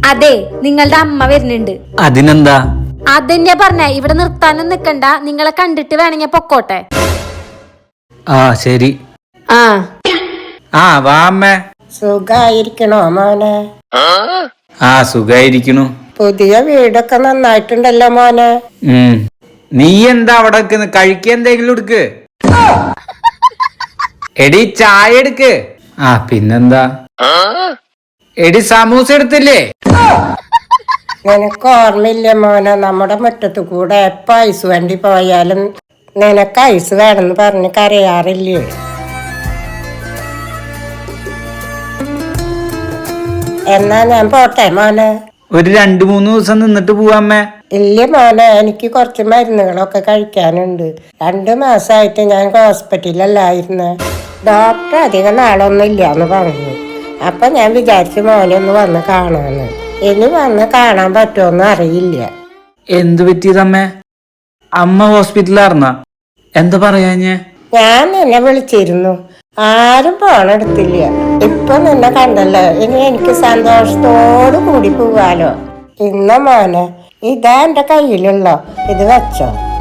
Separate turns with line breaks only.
അതെ, നിങ്ങളുടെ അമ്മ വരുന്നുണ്ട്.
അതിനെന്താ?
അതെന്നെ പറഞ്ഞ, ഇവിടെ നിർത്താനും നിക്കണ്ട, നിങ്ങളെ കണ്ടിട്ട് വേണമെങ്കിൽ പൊക്കോട്ടെ.
ആ ശരി. ആ വാ അമ്മേ.
സുഖായിരിക്കണോ മോനെ?
ആ സുഖായിരിക്കണു.
പുതിയ വീടൊക്കെ നന്നായിട്ടുണ്ടല്ലോ മോനെ.
നീ എന്താ അവിടെ കഴിക്ക എന്തെങ്കിലും എടുക്ക്. എടി ചായ എടുക്ക്. ആ പിന്നെന്താ, എടി സമൂസ എടുത്തില്ലേ?
നിനക്ക് ഓർമ്മയില്ലേ മോനെ, നമ്മുടെ മുറ്റത്ത് കൂടെ എപ്പ ഐസ് വണ്ടി പോയാലും നിനക്ക് ഐസ് വേണമെന്ന് പറഞ്ഞ് കരയാറില്ലേ? എന്നാ ഞാൻ പോട്ടെ മോനെ.
ഒരു 2-3 ദിവസം നിന്നിട്ട് പോവാമ്മേ.
ഇല്ല മോനെ, എനിക്ക് കുറച്ച് മരുന്നുകളൊക്കെ കഴിക്കാനുണ്ട്. 2 മാസമായിട്ട് ഞാൻ ഹോസ്പിറ്റലിലല്ലായിരുന്നു. ഡോക്ടർ അധികം നാളൊന്നും ഇല്ലാന്ന് പറഞ്ഞു. അപ്പൊ ഞാൻ വിചാരിച്ചു മോനെ ഒന്ന് വന്ന് കാണാന്ന്. ഇനി വന്ന് കാണാൻ പറ്റുമോന്ന് അറിയില്ല.
എന്ത് പറ്റിയതമ്മേ? അമ്മ ഹോസ്പിറ്റലാർന്ന? എന്താ പറയാഞ്ഞേ?
ഞാൻ നിന്നെ വിളിച്ചിരുന്നു, ആരും ഫോണെടുത്തില്ല. ഇപ്പൊ നിന്നെ കണ്ടല്ലോ, ഇനി എനിക്ക് സന്തോഷത്തോടു കൂടി പോവാലോ. ഇന്ന മോനെ, ഇതാ എന്റെ കയ്യിലുള്ളോ, ഇത് വെച്ചോ.